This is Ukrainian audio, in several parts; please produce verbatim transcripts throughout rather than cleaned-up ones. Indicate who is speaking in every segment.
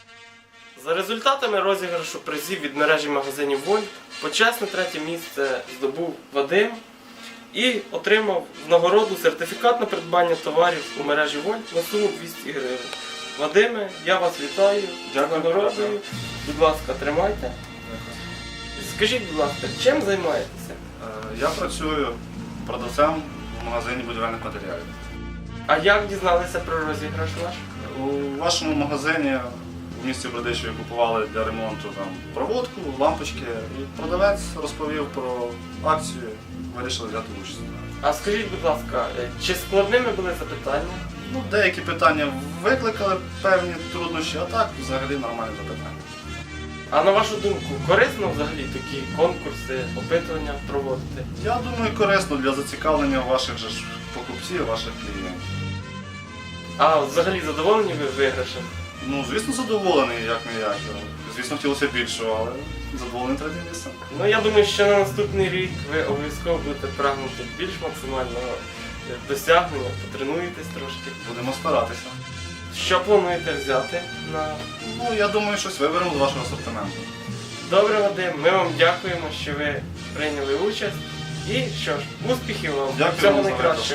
Speaker 1: За результатами розіграшу призів від мережі магазинів Вольт почесне третє місце здобув Вадим і отримав в нагороду сертифікат на придбання товарів у мережі Вольт на суму двісті гривень. Вадиме, я вас вітаю з нагородою. Будь ласка, тримайте. Скажіть, будь ласка, чим займаєтеся?
Speaker 2: Я працюю продавцем в магазині будівельних матеріалів.
Speaker 1: А як дізналися про розіграш ваш?
Speaker 2: У вашому магазині в місті Бердичеві купували для ремонту там проводку, лампочки, і продавець розповів про акцію, вирішили взяти участь.
Speaker 1: А скажіть, будь ласка, чи складними були запитання?
Speaker 2: Ну, деякі питання викликали певні труднощі, а так взагалі нормальні запитання.
Speaker 1: А на вашу думку, корисно взагалі такі конкурси, опитування проводити?
Speaker 2: Я думаю, корисно для зацікавлення ваших же ж покупців, ваших клієнтів.
Speaker 1: А взагалі задоволені ви виграшем?
Speaker 2: Ну, звісно, задоволений, як не як. Звісно, хотілося більшого, але задоволений третім місцем.
Speaker 1: Ну, я думаю, що на наступний рік ви обов'язково будете прагнути більш максимального досягнення, потренуєтесь трошки.
Speaker 2: Будемо старатися.
Speaker 1: Що плануєте взяти на...
Speaker 2: Ну, я думаю, щось виберемо з вашого асортименту.
Speaker 1: Добре, Вадим, ми вам дякуємо, що ви прийняли участь. І що ж, успіхів вам,
Speaker 2: Дякую
Speaker 1: всього
Speaker 2: вам за
Speaker 1: найкращого.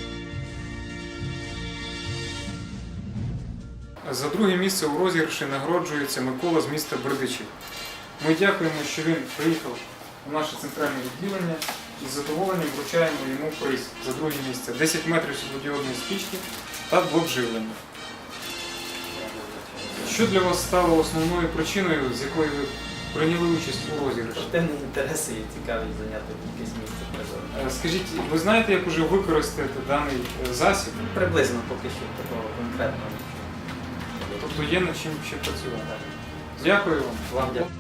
Speaker 3: За друге місце у розіграші нагороджується Микола з міста Бердичів. Ми дякуємо, що він приїхав у наше центральне відділення і з задоволенням вручаємо йому приз за друге місце. десять метрів світлодіодної стрічки та блок живлення. Що для вас стало основною причиною, з якої ви прийняли участь у розіграші?
Speaker 4: Спортивні інтереси і цікавість зайняти якесь місце призове.
Speaker 3: Е, Скажіть, ви знаєте, як уже використати даний е, засіб?
Speaker 4: Приблизно поки що такого конкретного нічого.
Speaker 3: Тобто є над чим ще працювати. Дякую вам.
Speaker 4: Вам дякую.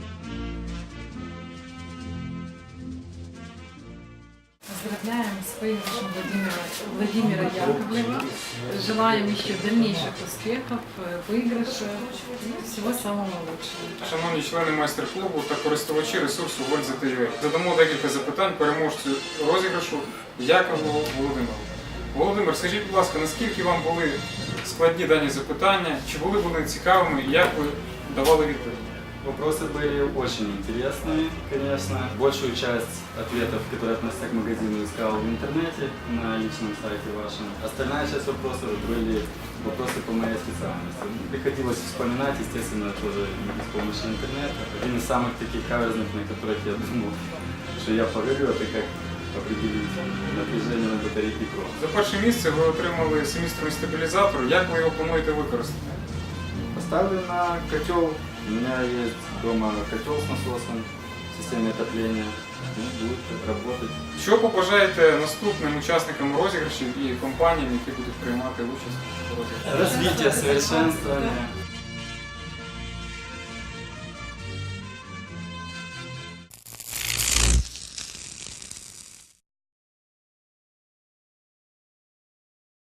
Speaker 5: Поздравляем с выигрышем Владимира, Владимира Яковлева. Желаем еще дальнейших успехов, выигрыша и всего самого лучшего.
Speaker 3: Шановні члени майстер-клубу та користувачі ресурсу Вольт ТВ, задамо декілька запитань переможцю розіграшу Яковлеву Володимиру. Володимир, скажіть, будь ласка, наскільки вам були складні дані запитання, чи були вони цікавими і як ви давали відповіді?
Speaker 6: Вопросы были очень интересные, конечно. Большую часть ответов, которые относятся к магазину, искал в интернете, на личном сайте вашем. Остальная часть вопросов были вопросы по моей специальности. Приходилось вспоминать, естественно, тоже не без помощи интернета. Один из самых таких каверзных, на которых я думал, что я погорю, это как определить напряжение на батарейке КРО.
Speaker 3: За перше місце ви отримали семістрний стабілізатор. Як ви його плануєте використати?
Speaker 6: Поставлю на котел. У меня есть дома котел с насосом в системе отопления. И будет работать.
Speaker 3: Що побажаєте наступним учасникам розіграшів і компаніям, які будуть приймати участь у розіграші?
Speaker 6: Развитие, совершенствование.